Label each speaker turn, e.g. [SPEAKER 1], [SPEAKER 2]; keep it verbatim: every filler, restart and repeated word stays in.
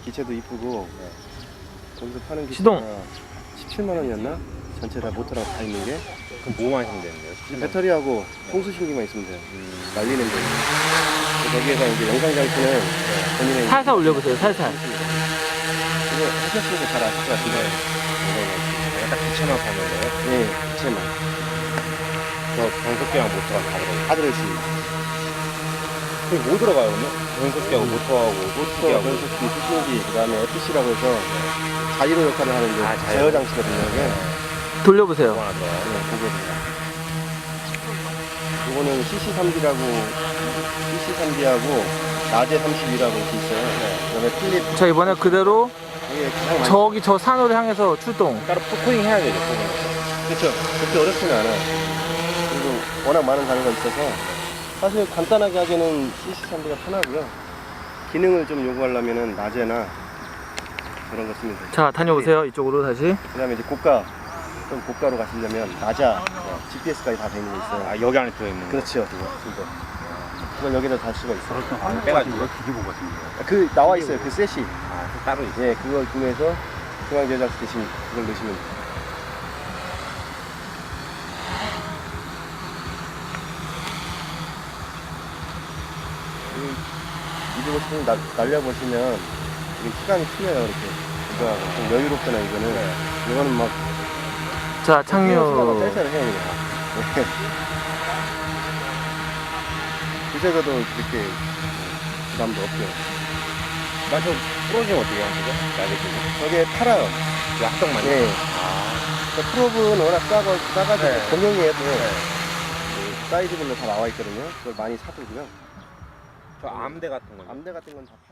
[SPEAKER 1] 기체도 이쁘고
[SPEAKER 2] 네.
[SPEAKER 1] 거기서 파는 기체가
[SPEAKER 3] 시동.
[SPEAKER 1] 십칠만 원이었나? 전체 다 모터랑 다 있는 게.
[SPEAKER 2] 그럼 뭐만 있으면 되는데요?
[SPEAKER 1] 배터리하고 홍수신기만 있으면 돼요.
[SPEAKER 2] 음.
[SPEAKER 1] 날리는 데. 거기에다 이제 영상 장치는 본인의
[SPEAKER 3] 살살 올려보세요. 살살.
[SPEAKER 1] 이거 하셨으니까 잘 아실 것 같은데.
[SPEAKER 2] 내가 딱 기체만 파는 거예요?
[SPEAKER 1] 예, 기체만.
[SPEAKER 2] 저 변속기랑 모터가 다 들어가요.
[SPEAKER 1] 다 들어있습니다.
[SPEAKER 2] 그게 뭐 들어가요 그러면? 변속기하고 모터하고
[SPEAKER 1] 모터,
[SPEAKER 2] 기하고.
[SPEAKER 1] 변속기, 수신기, 그 다음에 에프씨라고 해서 자이로 역할을 하는 게
[SPEAKER 2] 아, 자이로.
[SPEAKER 1] 제어 장치거든요. 이게.
[SPEAKER 3] 돌려보세요.
[SPEAKER 2] 그거 하나 들어가요.
[SPEAKER 1] 네, 그거입니다. 이거는 씨씨 삼 디라고 씨씨 삼 디하고 낮에 삼십이라고 이렇게 있어요. 그 다음에 필립.
[SPEAKER 3] 자, 이번에 그대로
[SPEAKER 1] 이게 가장 많이.
[SPEAKER 3] 저기 저 산으로 향해서 출동.
[SPEAKER 2] 따로 포코잉 해야 되죠, 포코잉.
[SPEAKER 1] 그렇죠. 그렇게 어렵지는 않아요. 그리고 워낙 많은 단어가 있어서 사실 간단하게 하기에는 씨씨 삼 디가 편하고요. 기능을 좀 요구하려면은 낮에나 그런 거 쓰면 되죠.
[SPEAKER 3] 자, 다녀오세요. 이쪽으로 다시.
[SPEAKER 1] 그 다음에 이제 고가, 좀 고가로 가시려면 낮아, 지피에스까지 다 돼 있는 게 있어요.
[SPEAKER 2] 아, 여기 안에 들어있는 거?
[SPEAKER 1] 그렇죠. 그거. 그거. 그걸 여기다 달 수가 있어요.
[SPEAKER 2] 아, 빼가지고.
[SPEAKER 4] 뒤집어 같습니다.
[SPEAKER 1] 그 나와 있어요. 그 셋이.
[SPEAKER 2] 아, 그 따로 있어요.
[SPEAKER 1] 예, 그걸 구매해서 중앙 제작 대신 그걸 넣으시면 돼요. 이쪽을 좀 날려보시면 이게 시간이 틀려요. 이렇게. 그러니까 좀 여유롭잖아 이거는.
[SPEAKER 2] 네.
[SPEAKER 1] 이거는 막
[SPEAKER 3] 자,
[SPEAKER 1] 창류
[SPEAKER 3] 착륙.
[SPEAKER 1] 짤짤 해요 그냥. 그새가도 그렇게 부담도 없죠.
[SPEAKER 2] 나저 부러지면 어떻게 하는 거죠? 날개 끼고.
[SPEAKER 1] 저게 팔아요.
[SPEAKER 2] 그 합성만요?
[SPEAKER 1] 예.
[SPEAKER 2] 아.
[SPEAKER 1] 그 프로브는 워낙 싸고, 싸가지고
[SPEAKER 2] 네.
[SPEAKER 1] 공용이에요. 또.
[SPEAKER 2] 네.
[SPEAKER 1] 그 사이즈별로 다 나와 있거든요. 그걸 많이 사두고요.
[SPEAKER 2] 저 암대 같은 거요?
[SPEAKER 1] 암대 같은 건 다 팔아요.